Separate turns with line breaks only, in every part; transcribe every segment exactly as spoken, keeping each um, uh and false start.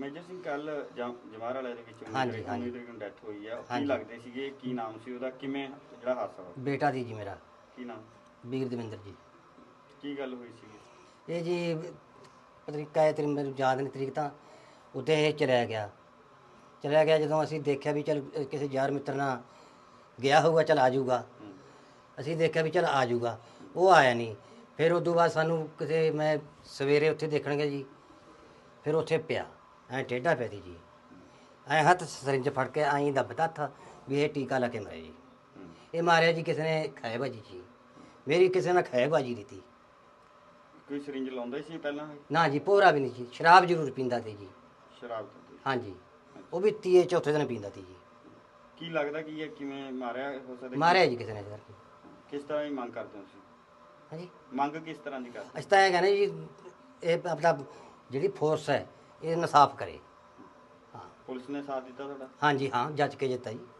Major Singh ਕੱਲ ਜਵਾਹਰ ਵਾਲੇ ਦੇ ਵਿੱਚ
ਹਾਂਜੀ ਹਾਂਜੀ
ਤਰੀਕ ਨੂੰ ਡੈਥ ਹੋਈ ਹੈ। ਕੀ ਲੱਗਦੇ ਸੀਗੇ, ਕੀ ਨਾਮ ਸੀ ਉਹਦਾ, ਕਿਵੇਂ ਜਿਹੜਾ ਹਾਦਸਾ ਹੋਇਆ?
ਬੇਟਾ ਦੀ ਜੀ ਮੇਰਾ।
ਕੀ ਨਾਮ?
ਵੀਰ ਦਵਿੰਦਰ ਜੀ।
ਕੀ ਗੱਲ ਹੋਈ ਸੀ?
ਇਹ ਜੀ ਤਰੀਕਾ ਹੈ ਤੇਰੀ ਮੈਨੂੰ ਯਾਦ ਨਹੀਂ ਤਰੀਕ ਤਾਂ ਉੱਤੇ ਇਹ ਚਲਿਆ ਗਿਆ ਚਲਿਆ ਗਿਆ ਜਦੋਂ ਅਸੀਂ ਦੇਖਿਆ ਵੀ ਚੱਲ ਕਿਸੇ ਯਾਰ ਮਿੱਤਰ ਨਾਲ ਗਿਆ ਹੋਊਗਾ, ਚੱਲ ਆ ਜਾਊਗਾ। ਅਸੀਂ ਦੇਖਿਆ ਵੀ ਚੱਲ ਆ ਜਾਊਗਾ, ਉਹ ਆਇਆ ਨਹੀਂ। ਫਿਰ ਉਦੋਂ ਬਾਅਦ ਸਾਨੂੰ ਕਿਤੇ ਮੈਂ ਸਵੇਰੇ ਉੱਥੇ ਦੇਖਣ ਗਿਆ ਜੀ, ਫਿਰ ਉੱਥੇ ਪਿਆ ਐਂ ਟੇਢਾ ਪਿਆ ਸੀ ਜੀ, ਐਂ ਹੱਥ ਸਰਿੰਜ ਫੜ ਕੇ ਐਂ ਦੱਬਦਾ ਥਾ ਵੀ ਇਹ ਟੀਕਾ ਲਾ ਕੇ ਮਰੇ ਜੀ। ਇਹ ਮਾਰਿਆ ਜੀ ਕਿਸੇ ਨੇ ਖਾਏ ਬਾਜੀ ਜੀ, ਮੇਰੀ ਕਿਸੇ ਨਾਲ ਖਾਏ ਬਾਜੀ ਦਿੱਤੀ।
ਕੋਈ ਸਰਿੰਜ ਲਾਉਂਦਾ ਸੀ ਪਹਿਲਾਂ?
ਨਾ ਜੀ, ਭੋਰਾ ਵੀ ਨਹੀਂ ਜੀ। ਸ਼ਰਾਬ ਜ਼ਰੂਰ ਪੀਂਦਾ ਸੀ ਜੀ।
ਸ਼ਰਾਬ?
ਹਾਂਜੀ, ਉਹ ਵੀ ਤੀਏ ਚੌਥੇ ਦਿਨ ਪੀਂਦਾ ਸੀ ਜੀ।
ਕੀ ਲੱਗਦਾ ਕੀ ਹੈ, ਕਿਵੇਂ ਮਾਰਿਆ ਹੋ ਸਕਦਾ?
ਮਾਰਿਆ ਜੀ ਕਿਸੇ ਨੇ ਸਰ।
ਕਿਸ ਤਰ੍ਹਾਂ ਦੀ ਮੰਗ ਕਰਦੇ ਹੋ ਤੁਸੀਂ?
ਹਾਂਜੀ,
ਮੰਗ ਕਿਸ ਤਰ੍ਹਾਂ ਦੀ ਕਰਦੇ?
ਅਸੀਂ ਤਾਂ ਇਹ ਕਹਿੰਦੇ ਜੀ, ਇਹ ਆਪਣਾ ਜਿਹੜੀ ਫੋਰਸ ਹੈ ਇਹ ਇਨਸਾਫ ਕਰੇ। ਹਾਂ,
ਪੁਲਿਸ ਨੇ ਸਾਥ ਦਿੱਤਾ ਤੁਹਾਡਾ?
ਹਾਂਜੀ ਹਾਂ, ਜੱਜ ਕੇ ਜਿੱਤਾ ਜੀ।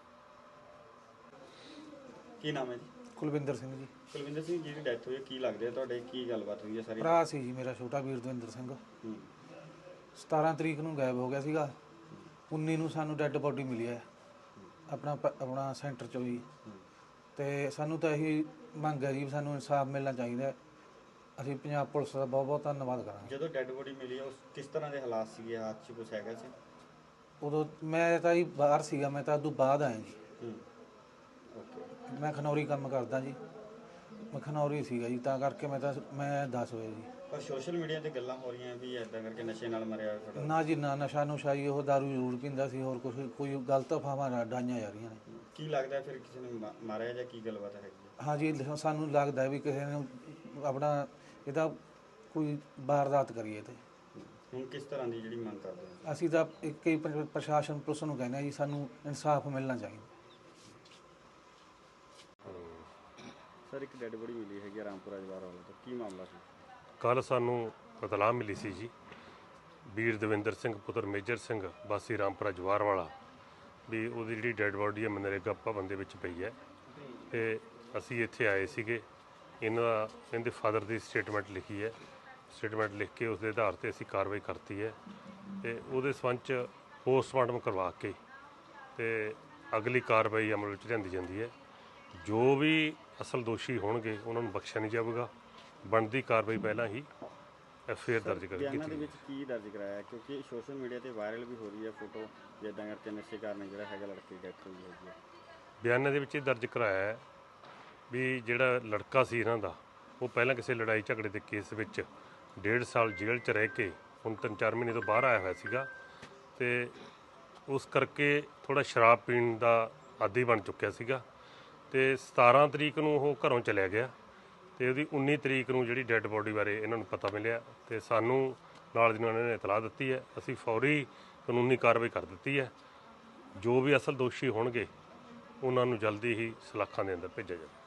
ਕੀ ਨਾਮ ਹੈ ਜੀ?
ਕੁਲਵਿੰਦਰ ਸਿੰਘ ਜੀ।
ਕੁਲਵਿੰਦਰ ਸਿੰਘ, ਜਿਹੜੀ ਡੈਥ ਹੋਈ ਕੀ ਲੱਗਦੇ ਆ ਤੁਹਾਡੇ, ਕੀ ਗੱਲਬਾਤ ਹੋਈ ਹੈ ਸਾਰੀ?
ਭਰਾ ਸੀ ਜੀ ਮੇਰਾ ਛੋਟਾ ਵੀਰ ਦਵਿੰਦਰ ਸਿੰਘ। ਸਤਾਰਾਂ ਤਰੀਕ ਨੂੰ ਗਾਇਬ ਹੋ ਗਿਆ ਸੀਗਾ। ਉੱਨੀ ਨੂੰ ਸਾਨੂੰ ਡੈੱਡ ਬੋਡੀ ਮਿਲੀ ਹੈ ਆਪਣਾ ਆਪਣਾ ਸੈਂਟਰ 'ਚੋਂ ਜੀ। ਅਤੇ ਸਾਨੂੰ ਤਾਂ ਇਹੀ ਮੰਗ ਹੈ ਜੀ, ਸਾਨੂੰ ਇਨਸਾਫ ਮਿਲਣਾ ਚਾਹੀਦਾ। ਅਸੀਂ ਪੰਜਾਬ ਪੁਲਿਸ ਦਾ ਬਹੁਤ ਬਹੁਤ ਧੰਨਵਾਦ ਕਰਾਂਗੇ।
ਜਦੋਂ ਡੈੱਡ ਬੋਡੀ ਮਿਲੀ ਉਸ ਕਿਸ ਤਰ੍ਹਾਂ ਦੇ ਹਾਲਾਤ ਸੀਗੇ, ਹੱਥ 'ਚ ਕੁਛ ਹੈਗਾ ਸੀ?
ਉਦੋਂ ਮੈਂ ਤਾਂ ਜੀ ਬਾਹਰ ਸੀਗਾ, ਮੈਂ ਤਾਂ ਉਦੋਂ ਬਾਅਦ ਆਇਆ ਜੀ।
ਓਕੇ।
ਮੈਂ ਖਨੌਰੀ ਕੰਮ ਕਰਦਾ ਜੀ, ਮੈਂ ਖਨੌਰੀ ਸੀਗਾ ਜੀ, ਤਾਂ ਕਰਕੇ ਮੈਂ ਤਾਂ ਮੈਂ ਦੱਸ ਹੋਇਆ ਜੀ।
ਪਰ ਸੋਸ਼ਲ ਮੀਡੀਆ 'ਤੇ ਗੱਲਾਂ ਹੋ ਰਹੀਆਂ ਵੀ ਇੱਦਾਂ ਕਰਕੇ ਨਸ਼ੇ ਨਾਲ ਮਰਿਆ ਤੁਹਾਡਾ।
ਨਾ ਜੀ ਨਾ, ਨਸ਼ਾ ਨੁਸ਼ਾ ਜੀ ਉਹ ਦਾਰੂ ਜ਼ਰੂਰ ਪੀਂਦਾ ਸੀ, ਹੋਰ ਕੁਛ ਕੋਈ ਗਲਤ ਅਫਵਾਹਾਂ ਡਾਈਆਂ ਜਾ ਰਹੀਆਂ ਨੇ।
ਕੀ ਲੱਗਦਾ ਫਿਰ ਕਿਸੇ ਨੇ ਮਾ- ਮਾਰਿਆ ਜਾਂ ਕੀ ਗੱਲਬਾਤ ਹੈਗੀ?
ਹਾਂਜੀ, ਸਾਨੂੰ ਲੱਗਦਾ ਵੀ ਕਿਸੇ ਨੇ ਆਪਣਾ ਇਹਦਾ ਕੋਈ ਵਾਰਦਾਤ ਕਰੀਏ। ਤੇ
ਹੁਣ ਕਿਸ ਤਰ੍ਹਾਂ ਦੀ ਜਿਹੜੀ ਮੰਗ ਕਰਦੇ ਹੋ?
ਅਸੀਂ ਤਾਂ ਇੱਕ ਹੀ ਪ੍ਰ- ਪ੍ਰਸ਼ਾਸਨ ਪੁਲਿਸ ਨੂੰ ਕਹਿੰਦੇ ਹਾਂ ਜੀ, ਸਾਨੂੰ ਇਨਸਾਫ ਮਿਲਣਾ ਚਾਹੀਦਾ।
ਸਰ, ਇੱਕ ਡੈੱਡ ਬੋਡੀ ਮਿਲੀ ਹੈਗੀ ਰਾਮਪੁਰਾ ਜਵਾਹਰ ਵਾਲਾ ਤੋਂ, ਕੀ ਮਾਮਲਾ ਸੀ?
ਕੱਲ੍ਹ ਸਾਨੂੰ ਇਤਲਾਹ ਮਿਲੀ ਸੀ ਜੀ, ਵੀਰ ਦਵਿੰਦਰ ਸਿੰਘ ਪੁੱਤਰ ਮੇਜਰ ਸਿੰਘ ਵਾਸੀ ਰਾਮਪੁਰਾ ਜਵਾਹਰ ਵਾਲਾ ਵੀ ਉਹਦੀ ਜਿਹੜੀ ਡੈੱਡ ਬੋਡੀ ਹੈ ਮਨਰੇਗਾ ਭਵਨ ਦੇ ਵਿੱਚ ਪਈ ਹੈ। ਅਤੇ ਅਸੀਂ ਇੱਥੇ ਆਏ ਸੀਗੇ, ਇਹਨਾਂ ਦਾ ਇਹਦੇ ਫਾਦਰ ਦੀ ਸਟੇਟਮੈਂਟ ਲਿਖੀ ਹੈ। ਸਟੇਟਮੈਂਟ ਲਿਖ ਕੇ ਉਸ ਦੇ ਆਧਾਰ 'ਤੇ ਅਸੀਂ ਕਾਰਵਾਈ ਕਰਤੀ ਹੈ ਅਤੇ ਉਹਦੇ ਸੰਬੰਧ 'ਚ ਪੋਸਟਮਾਰਟਮ ਕਰਵਾ ਕੇ ਅਤੇ ਅਗਲੀ ਕਾਰਵਾਈ ਅਮਲ ਵਿੱਚ ਲਿਆਂਦੀ ਜਾਂਦੀ ਹੈ। ਜੋ ਵੀ ਅਸਲ ਦੋਸ਼ੀ ਹੋਣਗੇ ਉਹਨਾਂ ਨੂੰ ਬਖਸ਼ਿਆ ਨਹੀਂ ਜਾਵੇਗਾ। ਬਣਦੀ ਕਾਰਵਾਈ ਪਹਿਲਾਂ ਹੀ ਐਫ ਆਈ ਆਰ ਦਰਜ ਕਰ
ਬਿਆਨਾਂ ਦੇ ਵਿੱਚ ਕੀ ਦਰਜ ਕਰਾਇਆ? ਕਿਉਂਕਿ ਸੋਸ਼ਲ ਮੀਡੀਆ ਤੇ ਵਾਇਰਲ ਵੀ ਹੋ ਰਹੀ ਹੈ ਫੋਟੋ, ਜਿੱਦਾਂ ਕਰਕੇ ਨਸ਼ੇ ਕਾਰਨ ਜਿਹੜਾ ਹੈਗਾ ਲੜਕੇ ਦੀ ਡੈਥ ਹੋਈ ਹੈਗੀ ਹੈ।
ਬਿਆਨਾਂ ਦੇ ਵਿੱਚ ਇਹ ਦਰਜ ਕਰਾਇਆ ਹੈ ਵੀ ਜਿਹੜਾ ਲੜਕਾ ਸੀ ਇਹਨਾਂ ਦਾ, ਉਹ ਪਹਿਲਾਂ ਕਿਸੇ ਲੜਾਈ ਝਗੜੇ ਦੇ ਕੇਸ ਵਿੱਚ ਡੇਢ ਸਾਲ ਜੇਲ੍ਹ 'ਚ ਰਹਿ ਕੇ ਹੁਣ ਤਿੰਨ ਚਾਰ ਮਹੀਨੇ ਤੋਂ ਬਾਹਰ ਆਇਆ ਹੋਇਆ ਸੀਗਾ ਅਤੇ ਉਸ ਕਰਕੇ ਥੋੜ੍ਹਾ ਸ਼ਰਾਬ ਪੀਣ ਦਾ ਆਦੀ ਬਣ ਚੁੱਕਿਆ ਸੀਗਾ। ਅਤੇ ਸਤਾਰਾਂ ਤਰੀਕ ਨੂੰ ਉਹ ਘਰੋਂ ਚਲਿਆ ਗਿਆ ਅਤੇ ਉਹਦੀ ਉੱਨੀ ਤਰੀਕ ਨੂੰ ਜਿਹੜੀ ਡੈੱਡ ਬੋਡੀ ਬਾਰੇ ਇਹਨਾਂ ਨੂੰ ਪਤਾ ਮਿਲਿਆ ਅਤੇ ਸਾਨੂੰ ਨਾਲ ਦੀ ਨਾਲ ਇਹਨਾਂ ਨੇ ਇਤਲਾਹ ਦਿੱਤੀ ਹੈ। ਅਸੀਂ ਫੌਰੀ ਕਾਨੂੰਨੀ ਕਾਰਵਾਈ ਕਰ ਦਿੱਤੀ ਹੈ। ਜੋ ਵੀ ਅਸਲ ਦੋਸ਼ੀ ਹੋਣਗੇ ਉਹਨਾਂ ਨੂੰ ਜਲਦੀ ਹੀ ਸਲਾਖਾਂ ਦੇ ਅੰਦਰ ਭੇਜਿਆ ਜਾਵੇ।